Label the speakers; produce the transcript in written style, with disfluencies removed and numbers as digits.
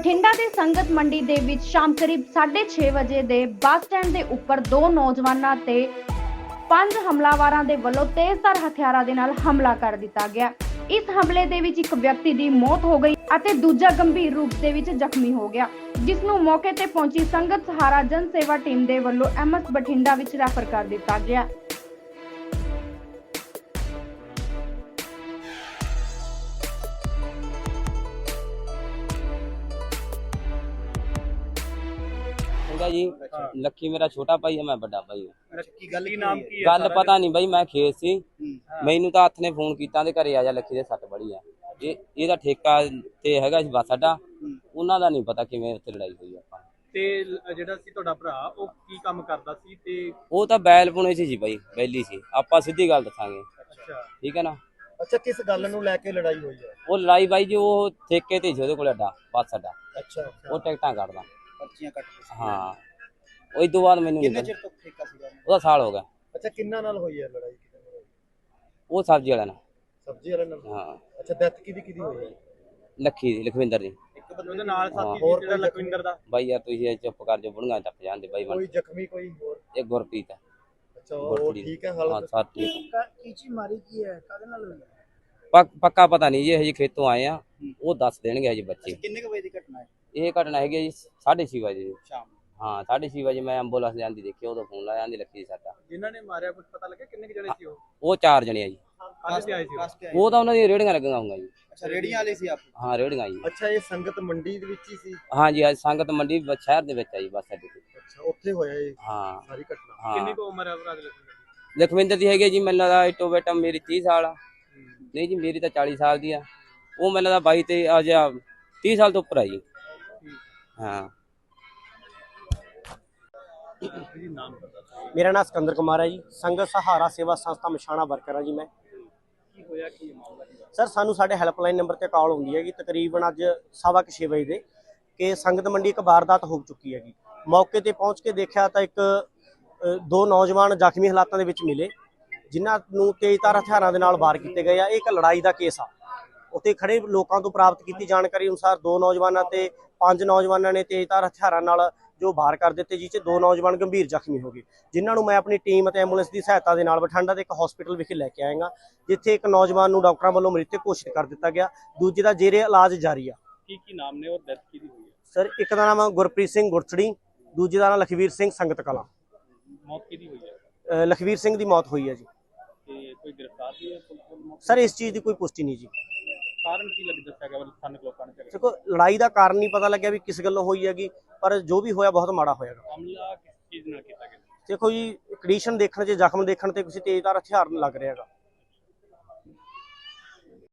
Speaker 1: ਬਠਿੰਡਾ ਦੇ ਸੰਗਤ ਮੰਡੀ ਦੇ ਵਿੱਚ ਸ਼ਾਮ ਕਰੀਬ 6:30 ਵਜੇ ਦੇ ਬੱਸ ਸਟੈਂਡ ਦੇ ਉੱਪਰ ਦੋ ਨੌਜਵਾਨਾਂ ਤੇ 5 ਹਮਲਾਵਰਾਂ ਦੇ ਵੱਲੋਂ ਤੇਜ਼ਧਾਰ ਹਥਿਆਰਾਂ ਦੇ ਨਾਲ ਹਮਲਾ ਕਰ ਦਿੱਤਾ ਗਿਆ। ਇਸ ਹਮਲੇ ਦੇ ਵਿੱਚ ਇੱਕ ਵਿਅਕਤੀ ਦੀ ਮੌਤ ਹੋ ਗਈ ਅਤੇ ਦੂਜਾ ਗੰਭੀਰ ਰੂਪ ਦੇ ਵਿੱਚ ਜ਼ਖਮੀ ਹੋ ਗਿਆ, ਜਿਸ ਨੂੰ ਮੌਕੇ ਤੇ ਪਹੁੰਚੀ ਸੰਗਤ ਸਹਾਰਾ ਜਨ ਸੇਵਾ ਟੀਮ ਦੇ ਵੱਲੋਂ ਐਮਐਸ ਬਠਿੰਡਾ ਵਿੱਚ ਰੈਫਰ ਕਰ ਦਿੱਤਾ ਗਿਆ।
Speaker 2: जी लक्की मेरा छोटा भाई है, मैं बड़ा भाई हूं।
Speaker 3: गल
Speaker 2: पता नहीं भाई, मैं खेत सी, मैनू तो हथ ने फोन किया घरे आ जा, लक्की दे सट बड़ी है। ਇਹਦਾ ਠੇਕਾ ਤੇ ਹੈਗਾ ਸੀ ਬੱਸ ਅੱਡਾ, ਉਹਨਾਂ ਦਾ ਨਹੀਂ ਪਤਾ ਕਿਵੇਂ ਉੱਥੇ ਲੜਾਈ ਹੋਈ ਆਪਾਂ
Speaker 3: ਤੇ ਜਿਹੜਾ ਸੀ ਤੁਹਾਡਾ ਭਰਾ ਉਹ ਕੀ ਕੰਮ ਕਰਦਾ ਸੀ ਤੇ
Speaker 2: ਉਹ ਤਾਂ ਬੈਲ ਪੁਣੇ ਸੀ ਜੀ ਬਾਈ, ਬੈਲੀ ਸੀ। ਆਪਾਂ ਸਿੱਧੀ ਗੱਲ ਦੱਸਾਂਗੇ,
Speaker 3: ਅੱਛਾ
Speaker 2: ਠੀਕ ਹੈ ਨਾ।
Speaker 4: ਅੱਛਾ, ਕਿਸ ਗੱਲ ਨੂੰ ਲੈ ਕੇ ਲੜਾਈ ਹੋਈ ਹੈ?
Speaker 2: ਉਹ ਲੜਾਈ ਬਾਈ ਜੀ ਉਹ ਠੇਕੇ ਤੇ ਸੀ ਉਹਦੇ ਕੋਲ ਅੱਡਾ, ਬੱਸ ਅੱਡਾ।
Speaker 4: ਅੱਛਾ,
Speaker 2: ਉਹ ਟਿਕਟਾਂ ਕੱਢਦਾ।
Speaker 4: ਪਰਚੀਆਂ ਕੱਟ ਕੇ।
Speaker 2: ਹਾਂ, ਉਹ ਤੋਂ ਬਾਅਦ ਮੈਨੂੰ
Speaker 4: ਕਿੰਨੇ ਚਿਰ ਤੋਂ ਠੇਕਾ ਸੀਗਾ
Speaker 2: ਉਹਦਾ ਸਾਲ ਹੋ ਗਿਆ।
Speaker 4: ਅੱਛਾ, ਕਿੰਨਾ ਨਾਲ ਹੋਈ ਹੈ ਲੜਾਈ?
Speaker 2: ਉਹ ਸਬਜ਼ੀ ਵਾਲਾ ਨਾਲ।
Speaker 4: ਸਬਜ਼ੀ ਵਾਲੇ ਨਾਲ?
Speaker 2: ਹਾਂ।
Speaker 4: ਅੱਛਾ, ਡੈਥ ਕਿਹਦੀ ਹੋਈ ਹੈ?
Speaker 2: ਲੱਖੀ ਦੀ, ਲਖਵਿੰਦਰ ਦੀ।
Speaker 3: ਇੱਕ ਬੰਦੇ ਉਹਦੇ ਨਾਲ ਸਾਥੀ
Speaker 4: ਹੋਰ
Speaker 3: ਜਿਹੜਾ ਲਖਵਿੰਦਰ ਦਾ।
Speaker 2: ਬਾਈ ਯਾਰ ਤੁਸੀਂ ਚੁੱਪ ਕਰ ਜੋ, ਬੁੜੀਆਂ ਟੱਪ ਜਾਂਦੇ ਬਾਈ।
Speaker 4: ਕੋਈ ਜ਼ਖਮੀ ਕੋਈ ਹੋਰ?
Speaker 2: ਇਹ ਗੁਰਪ੍ਰੀਤ ਹੈ।
Speaker 4: ਅੱਛਾ, ਉਹ ਠੀਕ ਹੈ
Speaker 2: ਹਾਂ,
Speaker 4: ਹਾਲਤ?
Speaker 2: ਸਭ ਠੀਕ ਹੈ।
Speaker 4: ਕੀਚੀ ਮਾਰੀ ਕੀ ਹੈ, ਕਾਹਦੇ ਨਾਲ ਹੋਈ?
Speaker 2: ਪੱਕਾ ਪਤਾ ਨਹੀਂ ਜੀ, ਹਜੇ ਖੇਤੋਂ ਆਏ ਆ, ਉਹ ਦੱਸ ਦੇਣਗੇ ਹਜੇ ਬੱਚੇ।
Speaker 4: ਕਿੰਨੇ ਕੁ ਵਜੇ ਦੀ ਘਟਨਾ ਹੈ
Speaker 2: ਇਹ ਘਟਨਾ ਹੈਗੀ ਜੀ 6:30 ਵਜੇ ਜੀ
Speaker 4: ਸ਼ਾਮ?
Speaker 2: ਹਾਂ, 6:30 ਵਜੇ ਮੈਂ ਐਂਬੂਲੈਂਸ ਜਾਂਦੀ ਦੇਖੀ, ਉਦੋਂ ਫੋਨ ਲਾਇਆ, ਆਂਦੀ ਲੱਖੀ ਸਾਡਾ।
Speaker 3: ਜਿਨ੍ਹਾਂ ਨੇ ਮਾਰਿਆ ਕੁਝ ਪਤਾ ਲੱਗਿਆ ਕਿੰਨੇ ਜਣੇ ਸੀ
Speaker 2: ਉਹ 4 ਜਣੇ ਆ ਜੀ।
Speaker 3: ਕਾਹਦੇ ਤੇ ਆਏ ਸੀ
Speaker 2: ਉਹ ਤਾਂ ਉਹਨਾਂ ਦੀਆਂ ਰੇੜੀਆਂ ਲੱਗੀਆਂ ਹੋਊਗਾ ਜੀ।
Speaker 4: ਅੱਛਾ, ਰੇੜੀਆਂ ਵਾਲੇ ਸੀ ਆਪ?
Speaker 2: ਹਾਂ, ਰੇੜੀਆਂ ਜੀ।
Speaker 4: ਅੱਛਾ, ਇਹ ਸੰਗਤ ਮੰਡੀ ਦੇ ਵਿੱਚ ਹੀ ਸੀ?
Speaker 2: ਹਾਂ ਜੀ, ਅੱਜ ਸੰਗਤ ਮੰਡੀ ਸ਼ਹਿਰ ਦੇ ਵਿੱਚ ਆ ਜੀ, ਬੱਸ ਅੱਡੇ ਤੇ।
Speaker 4: ਅੱਛਾ, ਉੱਥੇ ਹੋਇਆ ਇਹ
Speaker 2: ਹਾਂ
Speaker 4: ਸਾਰੀ ਘਟਨਾ?
Speaker 2: ਹਾਂ।
Speaker 3: ਕਿੰਨੀ ਕੁ ਉਮਰ ਹੈ ਭਰਾ ਦੀ?
Speaker 2: ਲਖਵਿੰਦਰ ਦੀ ਹੈਗੀ ਜੀ, ਮੈਨੂੰ ਲੱਗਦਾ ਇਟੋ ਬੇਟਾ ਮੇਰੀ 30 ਸਾਲ ਆ। ਨਹੀਂ ਜੀ, ਮੇਰੀ ਤਾਂ 40 ਸਾਲ ਦੀ ਆ। ਉਹ ਮੈਨੂੰ ਲੱਗਦਾ 22 ਤੇ ਆ ਜਾ 30 ਸਾਲ ਤੋਂ ਉੱਪਰ ਆ ਜੀ। ਹਾਂ।
Speaker 5: मेरा नाम सिकंदर कुमार है जी, संगत सहारा सेवा संस्था मछाणा वर्कर है जी। मैं सर सानू साडे हैल्पलाइन नंबर ते कॉल होंदी है कि तकरीबन अज 6:15 बजे कि संगत मंडी एक वारदात हो चुकी है। मौके ते पहुँच के देखा तो एक दो नौजवान जख्मी हालातों के विच मिले, जिन्हां नूं तेज़धार हथियारां दे नाल वार कीते गए। एक लड़ाई का केस आ। उत्ते खड़े लोगों तो प्राप्त की जानकारी अनुसार 2 नौजवानों ते 5 नौजवानों ने तेज़धार हथियारां नाल जो वार कर दिते, जिस 2 नौजवान गंभीर जख्मी हो गए, जिन्होंने मैं अपनी टीम और एंबूलेंस की सहायता के नाल बठिंडा के एक हॉस्पिटल विखे लैके आएगा, जिथे एक नौजवान को डॉक्टरों वालों मृतक घोषित कर दिता गया, दूजे का जेरे इलाज जारी आ।
Speaker 3: की नाम ने और डेथ की हुई है?
Speaker 5: सर एक का नाम गुरप्रीत सिंह गुरसड़ी, दूजे का नाम लखवीर सिंह संगत कला।
Speaker 3: मौत की हुई है?
Speaker 5: लखवीर सिंह की मौत हुई है जी।
Speaker 3: कोई गिरफ्तार भी है
Speaker 5: सर इस चीज़ की कोई पुष्टि नहीं जी।
Speaker 3: कारण की लग दस्या गया स्थानिक लोगों ने?
Speaker 5: देखो, लड़ाई का कारण नहीं पता लग्या भी किस गल्लों हुई हैगी, पर जो भी होया बहुत माड़ा होएगा।
Speaker 3: हमला किस चीज नाल कीता गया?
Speaker 5: देखो जी, कंडीशन देखने से जख्म देखने से किसी तेज़धार हथियार लग रहा है।